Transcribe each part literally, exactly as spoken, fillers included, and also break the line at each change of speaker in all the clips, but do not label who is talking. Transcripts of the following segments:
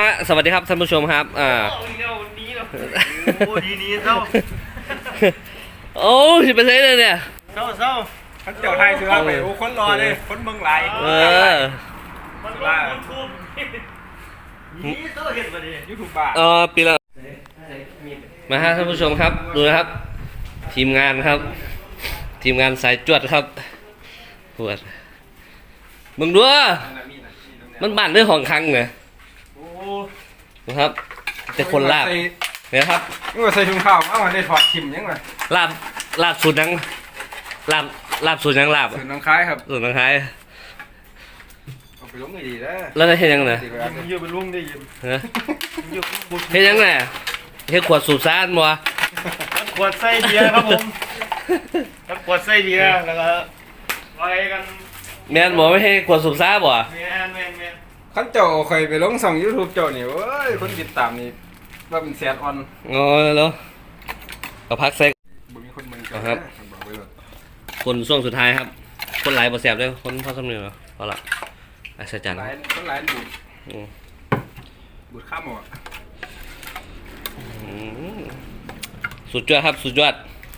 ฮะสวัสดีครับท่านผู้ชมครับอ่า
โอ้ดีนี้เศร้า
โอ้สิบเปอร์เซ็นต์เลยเนี่ย
เศร้าเศร้าท่านเจ้าไทยซื้อไปโอ้คนรอเลยคนเมืองไหล
เออ
มันว่ายูทูบนี่เศร้าเห็นมาดิยูทูบบ้า
เออปีละมาฮะท่านผู้ชมครับดูนะครับทีมงานครับทีมงานสายจวดครับปวดมึงดูมันบ้านด้วยห้องคังเนี่ยนะครับแต่คนลาบเนี่ยครับ
นี่ว่าใส่ถุงข้าวเอามาได้ถอดขิมยังไง
ลาบลาบสูตรยังลาบลาบสูตรยังลาบ
สูตรน้องคล้ายครับ
สูตรน้องคล้าย
เอาไปลุงดีแล้ว
แล้วได้เห็นยังไง
ยืมไปลุงได้ยืม
เห็นยังไงเห็นขวดสูบซ่านบ่
ขวดไส้เบียร์ครับผมขวดไส้เบียร์แล้วก็ไปกัน
แมนบอกไม่ให้ขวดสูบซ่าบ่
แมนแมนแมนขั้นเจ้าเคยไปลงส่องยูทูบเจ้านี่เว้ยคนติดตามนี่ว่าเป็นแสนออน
อ๋อแล้วก็พักเซ็ก
บ่มีคนเมืองเจ้า
ครับคนช่วงสุดท้ายครับคนหลายบ่แสบเลยคนพอสำเนียงเหรอพอละอัศจรรย์
คนหลายบูดบูดข้ามหมด
สุดยอดครับสุดยอด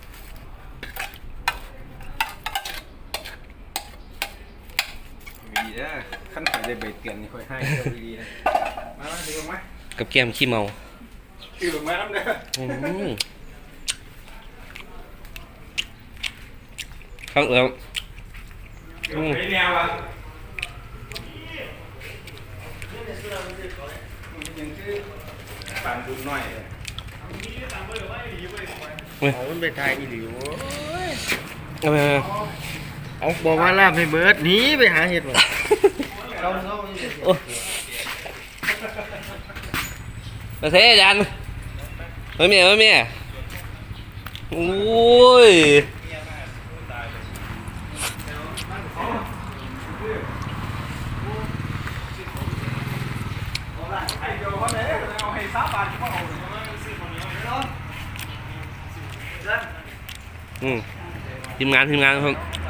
ดีนะขั้นถ่ายได้ใบเตือนนี่ค่อยให้ดีนะมามาดูไหม
กับแก้มขี้เมา
ดูไหมน้ำเด้อ
ข้างเอื้อม
ไอ้แนวอ่ะยังคือปานบุญหน่อยเอาไปทายอีหลิว
เอาไป
เอาบอกว่าลาบให้เบิร์ดหนีไปหาเห็ดมา
ไปเทยันไม่มีไม่มีโอ้ยอืมทีมงานทีมงานครับ